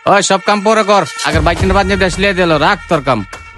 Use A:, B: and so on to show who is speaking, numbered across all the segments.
A: ওই সব কাম পরে কর, আগের বাইক কিনে বাদ দিয়ে আসলে দিল, রাখ তোর কাম।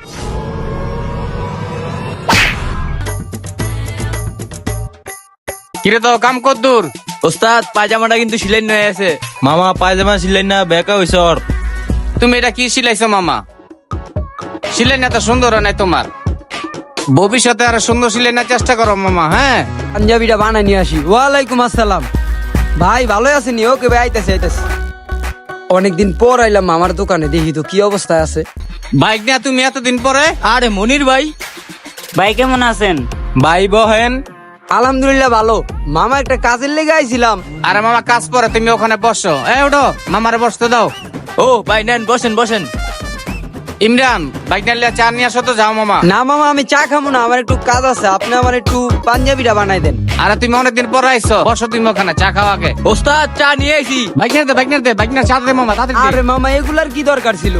A: কিরে তো কাম কর দূর?
B: ওস্তাদ পায়জামাটা কিন্তু সিলাই হয়ে আছে। মামা পায়জামা সিলাই না বেকা হইছে ওর।
A: তুমি এটা কি সিলাইছো মামা? সিলাই না তো সুন্দর হয় নাই তোমার, ভবিষ্যতে আরো সুন্দর সিলাই না চেষ্টা করো মামা। হ্যাঁ,
C: পাঞ্জাবিটা বানাই নিয়ে আসি। ওয়ালাইকুম আসসালাম ভাই, ভালো আছেন? ওকে ভাই, আইতাছি আইতাছি। অনেকদিন পর আইলাম আমার দোকানে, দেখি তো কি অবস্থায় আছে।
A: বাইক নিয়ে তুমি এতদিন পরে?
B: আরে মনির ভাই,
D: ভাই কেমন আছেন?
B: ভাই বহেন।
C: আলহামদুলিল্লাহ ভালো। মামা একটা কাজের লেগে আইছিলাম।
A: আরে মামা কাজ পরে, তুমি ওখানে বসো। ওঠো, মামারে বসতে দাও।
B: ও ভাই নেন, বসেন বসেন।
A: ইমরান, বাইক নিয়ে চা নিয়ে আসো তো, যাও মামা।
C: না মামা, আমি চা খাবো না, আমার একটু কাজ আছে। আপনি আমার একটু পাঞ্জাবিটা বানাই দেন।
A: আরে তুমি অনেকদিন পরে আইছো, বসো তুমি ওখানে, চা খাও আগে।
B: ওস্তাদ চা নিয়ে আইছি।
A: বাইক নিয়ে দে, বাইক নিয়ে চা দে মামা, তাড়াতাড়ি দে।
C: আরে মামা, এগুলার কি দরকার ছিল?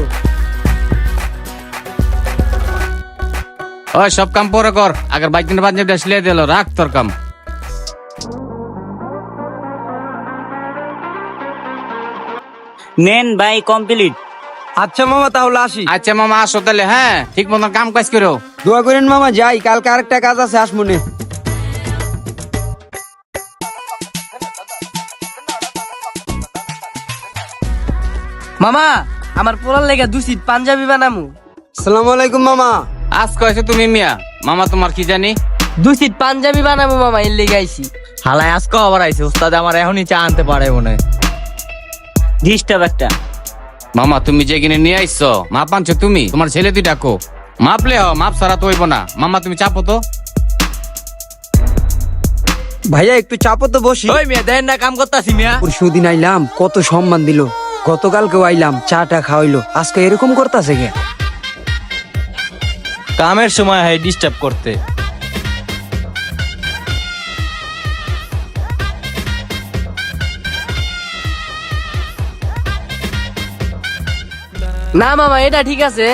A: ওই সব কাম পরে কর, আগের বাইক কিনে বাদ দিয়ে আসলে দিল, রাখ তোর কাম।
D: নেন ভাই কমপ্লিট।
C: আচ্ছা মামা, তাহলে আসি।
A: আচ্ছা মামা আসো তাহলে। হ্যাঁ, ঠিক মতন কাম কাজ করো।
C: দোয়া করেন মামা, যাই, কালকে আরেকটা কাজ আছে, আসমনে।
E: মামা আমার পোলার লেগে 2 সিট পাঞ্জাবি বানামু।
C: আসসালামু আলাইকুম মামা।
A: আজ কয়েছে তুমি মিয়া, মামা তোমার কি জানি।
E: 2 সিট পাঞ্জাবি বানামু মামা, এর লেগে আইছি।
B: হালাই আজকে আবার আইছে। ওস্তাদ আমার এখনই চা আনতে পারে মনে হয়।
D: ডিস্টার্ব একটা।
A: মামা তুমি যে কিনে নিয়ে আইছো, মাপ আনছো তুমি, তোমার ছেলে তুই ডাকো। মাপলে মাপ ছাড়া তো হইব না। মামা তুমি চাপো তো।
C: ভাইয়া একটু চাপো তো, বসি।
B: ওই মিয়া দেন না, কাম করতাছি মিয়া।
C: পরশুদিন আইলাম, কত সম্মান দিল। গতকালকেও আইলাম, চাটা খাওয়াইলো, আজকে এরকম করতেছে কে?
B: কামের সময় হয় ডিস্টার্ব করতে।
E: না মামা এটা ঠিক আছে।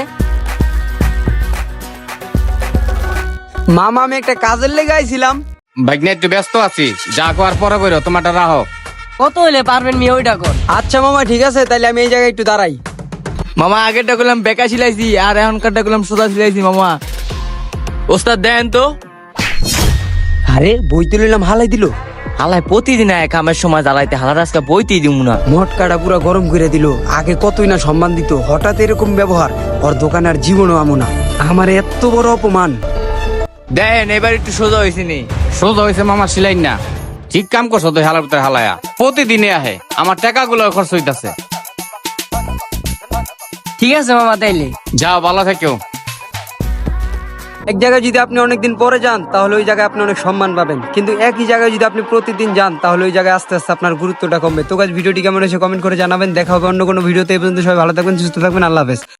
C: মামা আমি একটা কাজের লেগে আইছিলাম।
A: বাইক নিয়ে একটু ব্যস্ত আছি, যা করার পরে বইরো, তোমারটা রাহো।
E: কত হইলে পারবেন মিয়া ওইটা কর।
C: আচ্ছা মামা ঠিক আছে, তাইলে আমি এই জায়গায় একটু দাঁড়াই।
B: মামা আগেরটা করলাম বেকা সিলাইছি, আর এখনকারটা করলাম সোজা সিলাইছি মামা। ওস্তাদ দেন তো।
C: আরে বইতে লইলাম, হালাই দিল।
B: হালাই প্রতিদিন এক কামের সময় জ্বালাইতে, হালার আজকে বইতেই দিব না।
C: মটকাটা পুরো গরম করে দিল। আগে কতই না সম্মান দিত, হঠাৎ এরকম ব্যবহার। ওর দোকানে আর জীবনও আমো না। আমার এত বড় অপমান।
B: দেন এবার একটু সোজা হয়েছি নি।
A: সোজা হয়েছে মামা, সিলাই না। ঠিক কাম করছো তো, হালার ভিতরে হালায়া প্রতিদিনে আহে, আমার টাকাগুলো খরচ হইতাছে।
E: ঠিক আছে মামা, তাইলে
A: যাও, ভালো থেকো।
C: এক জায়গায় যদি আপনি অনেকদিন পরে যান, তাহলে ওই জায়গায় আপনি অনেক সম্মান পাবেন। কিন্তু একই জায়গায় যদি আপনি প্রতিদিন যান, তাহলে ওই জায়গায় আস্তে আস্তে আপনার গুরুত্বটা কমবে। তো গাইস, ভিডিওটি কেমন হয়েছে কমেন্ট করে জানাবেন। দেখা হবে অন্য কোনো ভিডিওতে। এই পর্যন্ত সবাই ভালো থাকবেন, সুস্থ থাকবেন। আল্লাহ হাফেজ।